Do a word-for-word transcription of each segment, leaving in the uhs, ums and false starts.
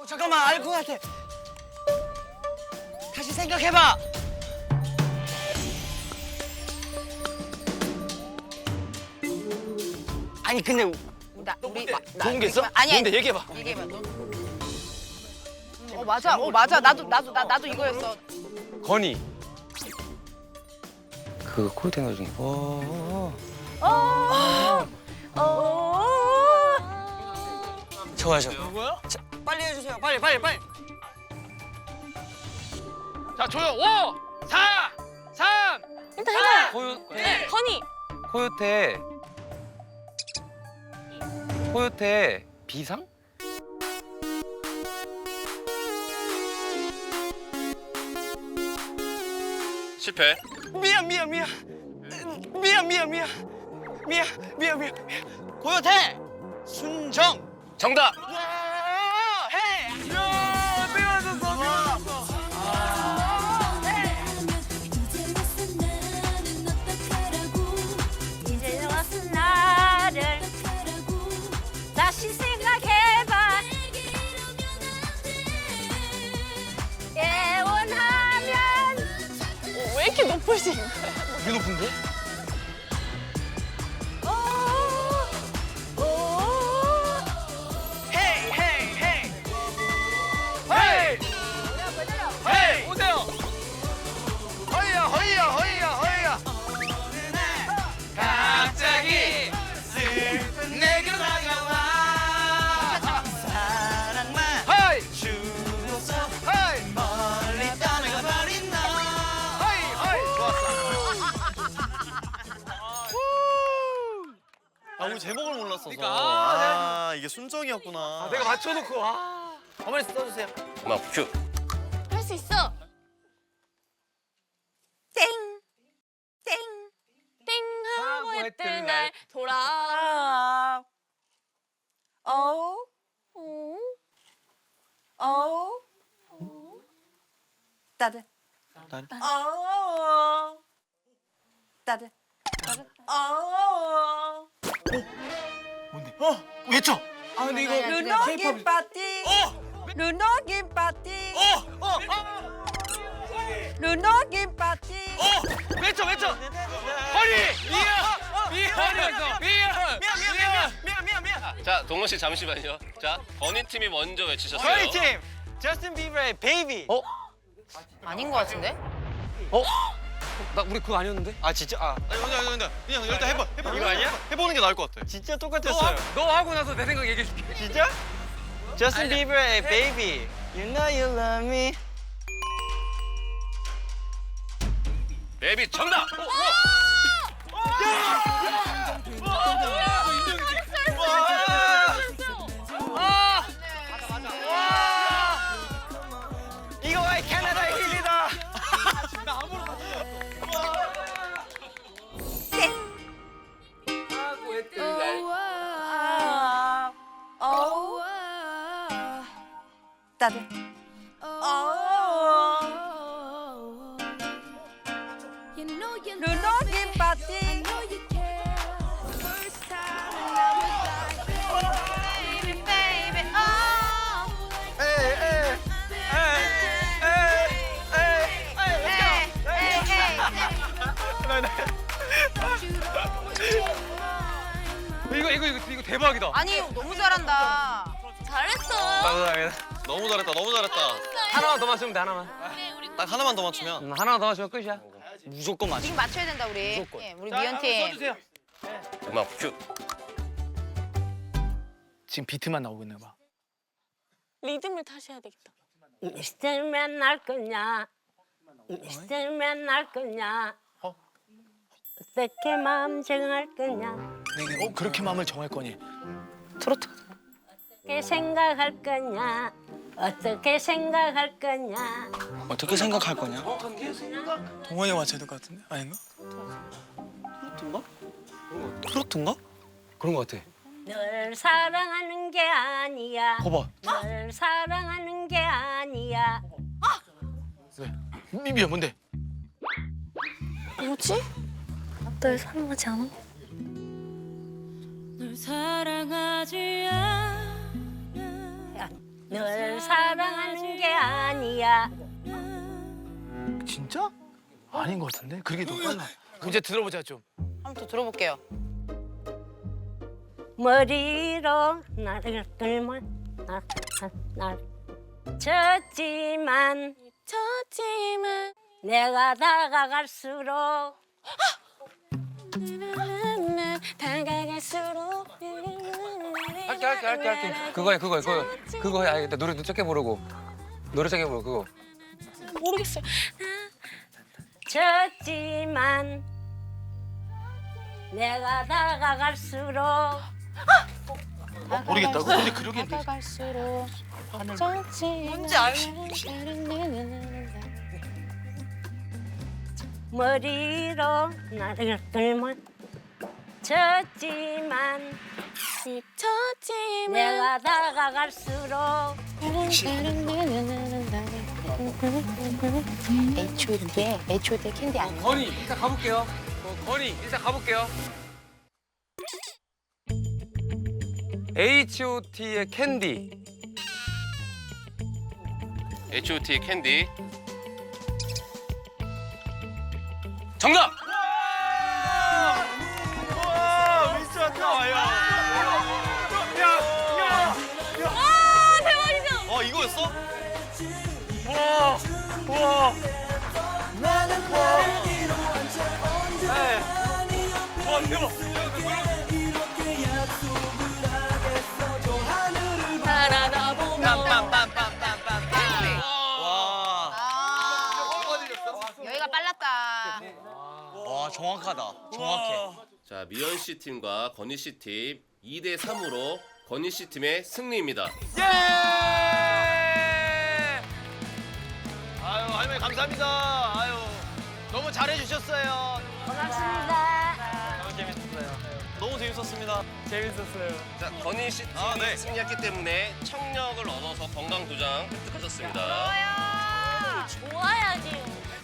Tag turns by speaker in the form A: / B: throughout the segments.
A: 잠깐만 알 것 같아. 다시 생각해봐. 아니 근데
B: 나 우리 마, 나,
A: 좋은 게 있어?
B: 아니 아니.
A: 뭔데 얘기해봐.
B: 얘기해봐. 너. 어 맞아. 어 맞아. 나도 나도 나 나도 이거였어.
C: 건이.
A: 그 코요테 노래 중에 어.
B: 어. 어.
A: 좋아 좋아. 뭐야? 빨리 해주세요. 빨리 빨리 빨리.
C: 자 조용. 오, 사, 삼.
B: 일단 해봐.
C: 코요테.
B: 건이.
C: 코요테. 코요테 비상? 실패.
A: 미안 미안 미안. 미안 미안 미안. 미안 미안 미안 미안. 코요테 순정.
C: 정답.
A: 야, 해. 야, 미워졌어 미워졌어.
B: 이제 왔어 나를 다시 생각해봐. 예원하면. 왜 이렇게 높으신 거야?
C: 이게 높은데?
A: 헤이 헤이 헤이.
C: 헤이! 헤이!
A: 오세요. 허이야 허이야 허이야 허이야. 갑자기 슬픈 내게로 다가와 사랑만
C: 헤이!
A: 주고서 멀리 떠나가 버린 너.
C: 헤이! 헤이! 좋았어.
D: 아, 우리 제목을 몰랐어서.
C: 그러니까.
D: 아, 이게 순정이었구나.
C: 아, 내가 맞춰놓고 아.
A: 어머니 써주세요.
C: 음악 큐.
B: 할 수 있어. 땡. 땡. 땡 하고 했던 날 돌아. 어. 어. 어. 따뜻.
D: 따뜻.
B: 어. 따뜻. 따뜻. 어.
A: 어 외쳐.
C: 아, 근데 이거
B: 루노기 파티. 루노기 파티.
A: 어 어. 어.
B: 루노기 파티.
A: 외쳐 외쳐.
C: 허리! 미안! 미안! 미안!
A: 미안 미안 미안 미안 미안 미안.
E: 자, 동원 씨 잠시만요. 자, 건희 팀이 먼저 외치셨어요.
A: 저희 팀 저스틴 비버의 베이비.
C: 어?
B: 아닌 것 같은데?
C: 어? 나 우리 그거 아니었는데?
A: 아 진짜 아
D: 아니, 근데, 근데, 그냥 일단 해봐. 해봐.
A: 이거 아니야?
D: 해보는 게 나을 것 같아.
A: 진짜
C: 너,
A: 똑같았어요.
C: 하, 너 하고 나서 내 생각 얘기해줄게.
A: 진짜? 저스틴 비버의 베이비. You know you love me.
E: 베이비 정답!
A: 이거 왜 캐나다의 힐이다.
C: 하고 했던 날.
B: 어. 따뜻. 어. 루노기 파티. Baby, baby, oh.
A: 에이 에이 에이 에이 에이.
C: 이거 이거 이거 이거 대박이다.
B: 아니 너무 잘한다. 잘했어.
C: 감사합니다.
D: 너무 잘했다, 너무 잘했다.
C: 하나만 더 맞추면 돼, 하나만.
D: 딱 하나만 더 맞추면.
C: 음, 하나만 더 맞추면 끝이야.
A: 무조건 맞아.
B: 지금 맞춰야 된다 우리.
A: 무조건.
B: 예, 우리 미연 팀.
E: 음악 큐.
F: 지금 비트만 나오고 있나 봐.
G: 리듬을 다시 해야 되겠다.
H: 있으면 날 거냐? 있으면 날 거냐?
F: 어?
H: 어떻게 마음 정할 거냐?
F: 내가 어 그렇게 마음을 정할 거니?
A: 트로트.
H: 어떻게 생각할 거냐? 어떻게 생각할 거냐?
A: 어떻게 생각할 거냐?
F: 동원이 맞춰야 될 것 같은데? 아닌가?
A: 트로트인가? 트로트인가?
C: 그런 거 같아.
H: 널 사랑하는 게 아니야.
F: 거봐.
H: 널 사랑하는 게 아니야.
F: 미, 미야 뭔데?
G: 뭐지? 널 사랑하지 않아? 널 사랑하지 않아.
H: 야, 널 사랑하는 게 아니야.
F: 진짜? 아닌 것 같은데? 그게 더 빨라. 이제 들어보자 좀.
B: 한번 더 들어볼게요.
H: 머리로 나를 끌면 나, 나, 날 쳤지만
G: 쳤지만
H: 내가 다가갈수록
G: 다가갈수록
I: 할게 할게 할게 할게 그거야 그거야 그거 그거 해 알겠다 노래 짧게 부르고 노래 짧게 부르고 그거
G: 모르겠어요.
H: 쳤지만 내가 다가갈수록
A: 모르겠다고? 근데 그러긴
G: 다가갈수록
B: 뭔지 알지?
H: 머리로 나를 끌면 쳤지만
G: 쳤지만
H: 내가 다가갈수록
B: 에이치오디의 에이치오디의 캔디 아니야?
I: 건이 일단 가볼게요 어, 건이 일단 가볼게요 에이치 오 티의 캔디
E: 에이치 오 티 캔디.
I: 정답!
A: 와 미스 왔다. 야.
G: 아 대박이죠?
D: 어 이거였어?
A: 와. 와. 와 대박.
D: 와.
B: 여기가 빨랐다.
D: 와 정확하다. 정확해.
E: 자, 미연 씨 팀과 건희 씨 팀 이 대 삼으로 건희 씨 팀의 승리입니다.
A: 예! 아유 할머니 감사합니다. 아유 너무 잘해주셨어요.
H: 고맙습니다.
A: 너무 재밌었어요.
D: 너무 재밌었습니다.
A: 재밌었어요.
E: 자, 건희 씨 팀이
D: 아, 네.
E: 승리했기 때문에 청력을 얻어서 건강 두 장 획득하셨습니다.
G: 좋아야지.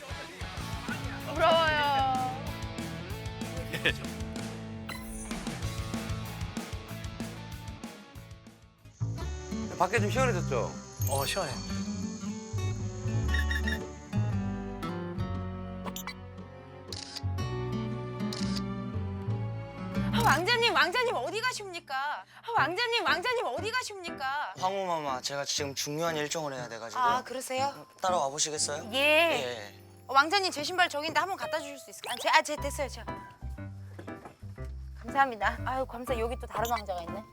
B: 부러워요.
I: 밖에 좀 시원해졌죠?
F: 어 시원해.
B: 아, 왕자님, 왕자님 어디 가십니까? 아, 왕자님, 왕자님 어디 가십니까?
J: 황후마마, 제가 지금 중요한 일정을 해야 돼가지고
B: 아, 그러세요?
J: 따라와 보시겠어요?
B: 예.
J: 예.
B: 어, 왕자님 제 신발 저긴데 한번 갖다 주실 수 있을까요? 아, 제, 아, 제 됐어요, 저. 감사합니다. 아유, 감사. 여기 또 다른 왕자가 있네.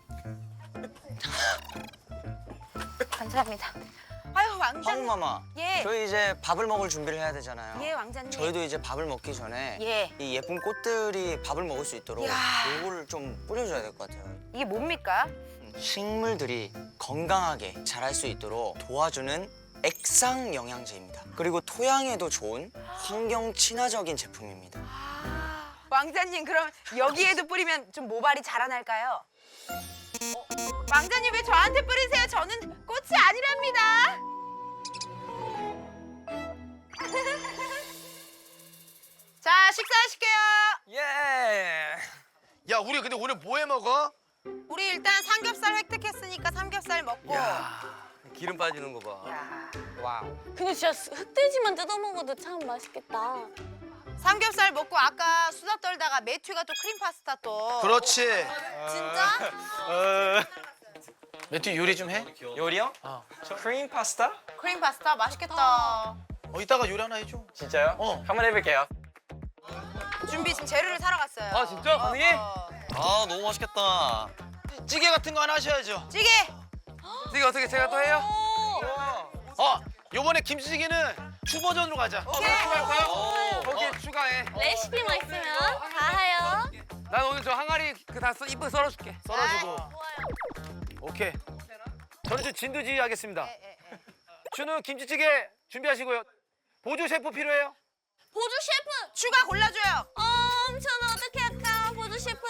B: 감사합니다. 아유, 왕자님.
J: 황후마마,
B: 예.
J: 저희 이제 밥을 먹을 준비를 해야 되잖아요.
B: 예, 왕자님.
J: 저희도 이제 밥을 먹기 전에
B: 예.
J: 이 예쁜 꽃들이 밥을 먹을 수 있도록
B: 야.
J: 요거를 좀 뿌려줘야 될 것 같아요.
B: 이게 뭡니까?
J: 음, 식물들이 건강하게 자랄 수 있도록 도와주는 액상 영양제입니다. 그리고 토양에도 좋은 환경 친화적인 제품입니다.
B: 아, 왕자님 그럼 여기에도 뿌리면 좀 모발이 자라날까요? 어, 왕자님 왜 저한테 뿌리세요? 저는 꽃이 아니랍니다. 자, 식사하실게요.
A: 예. 야 우리 근데 오늘 뭐 해 먹어?
B: 우리 일단 삼겹살 획득했으니까 삼겹살 먹고.
I: 기름 빠지는 거 봐.
B: 야.
I: 와우.
G: 근데 진짜 흑돼지만 뜯어 먹어도 참 맛있겠다.
B: 삼겹살 먹고 아까 수다 떨다가 매튜가 또 크림 파스타 또.
A: 그렇지.
B: 진짜?
A: 어.
F: 매튜 요리 좀 해?
J: 요리요?
F: 어.
J: 크림 파스타?
B: 크림 파스타 맛있겠다.
A: 어 이따가 요리 하나 해줘.
J: 진짜요?
A: 어.
J: 한번 해볼게요.
B: 준비 지금 재료를 사러 갔어요.
I: 아 진짜?
B: 어,
I: 선생님?
B: 어.
D: 아 너무 맛있겠다.
A: 찌개 같은 거 하나 하셔야죠.
B: 찌개.
I: 이게 어떻게 제가 또 해요?
A: 어 요번에 김치찌개는 추 버전으로 가자.
B: 오케이.
I: 할 거야?
A: 어.
I: 거기에 추가해.
G: 레시피만 있으면 다 해요.
I: 난 오늘 저 항아리 그다 이쁘게 썰어줄게.
A: 썰어주고.
B: 아, 좋아요.
A: 오케이. 저는 좀 진두지휘 하겠습니다.
B: 예, 예, 예.
A: 추는 김치찌개 준비하시고요. 보조 셰프 필요해요?
G: 보조 셰프.
B: 추가 골라줘요.
G: 음, 저는 어떻게 할까? 보조 셰프.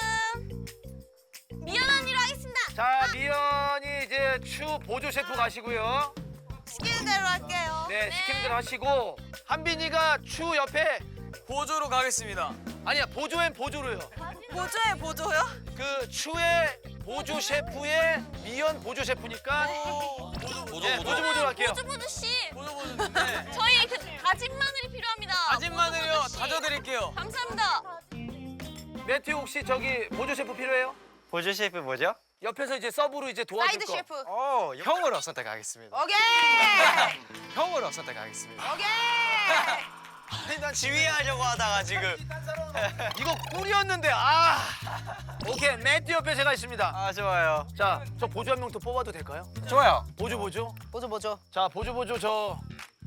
G: 미연 언니로 하겠습니다.
A: 자 미연이 이제 추 보조 셰프 가시고요.
B: 시키는 대로 할게요.
A: 네, 시키는 대로 하시고 한빈이가 추 옆에
F: 보조로 가겠습니다.
A: 아니야 보조엔 보조로요.
B: 보조에 보조요?
A: 그 추의 보조 셰프의 미연 보조 셰프니까
D: 보조
F: 드릴게요.
G: 보주보주 씨,
A: 보조보조인데.
G: 저희 그 다진 마늘이 필요합니다.
A: 다진 마늘이요.
G: 보주보주 씨.
A: 다져드릴게요.
G: 감사합니다.
F: 매튜 혹시 저기 보조 셰프 필요해요?
J: 보조 셰프 뭐죠?
F: 옆에서 이제 서브로 이제 도와줄
B: 사이드
F: 거.
B: 셰프.
J: 어, 형으로 선택하겠습니다.
B: 오케이.
J: 형으로 선택하겠습니다.
B: 오케이.
J: 아니, 난 지휘하려고 하다가 지금.
F: 이거 꿀이었는데 아. 오케이 매튜 옆에 제가 있습니다.
J: 아, 좋아요.
F: 자, 저 보조 한 명 더 뽑아도 될까요?
J: 좋아요.
F: 보조 보조.
B: 보조 보조.
F: 자, 보조 보조 저.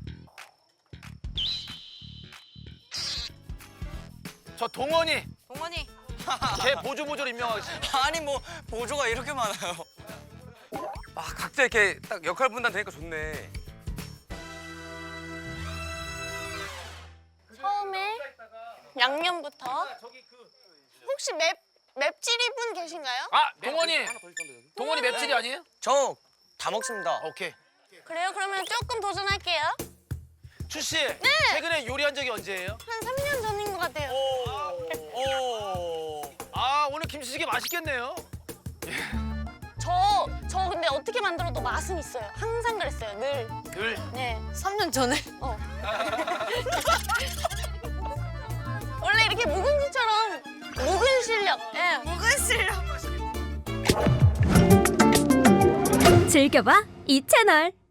F: 저 동원이
B: 동원이.
F: 제 보조 보조로 임명하겠습니다.
J: 아니 뭐 보조가 이렇게 많아요.
I: 아 각자 이렇게 딱 역할 분담 되니까 좋네.
G: 처음에 양념부터. 혹시 맵 맵찔이 분 계신가요?
F: 아, 동원이. 동원이 맵찔이 아니에요?
J: 저 다 먹습니다.
F: 오케이.
G: 그래요? 그러면 조금 도전할게요.
F: 추 씨. 최근에 요리한 적이 언제예요?
G: 한 삼 년 전인 것 같아요.
F: 오. 아, 오늘 김치찌개 맛있겠네요.
G: 저, 저 근데 어떻게 만들어도 맛은 있어요. 항상 그랬어요. 늘.
F: 늘.
G: 네.
B: 삼 년 전에.
G: 어. 원래 이렇게 묵은지처럼 묵은 실력. 예.
B: 묵은 실력.
K: 즐겨봐 이 채널.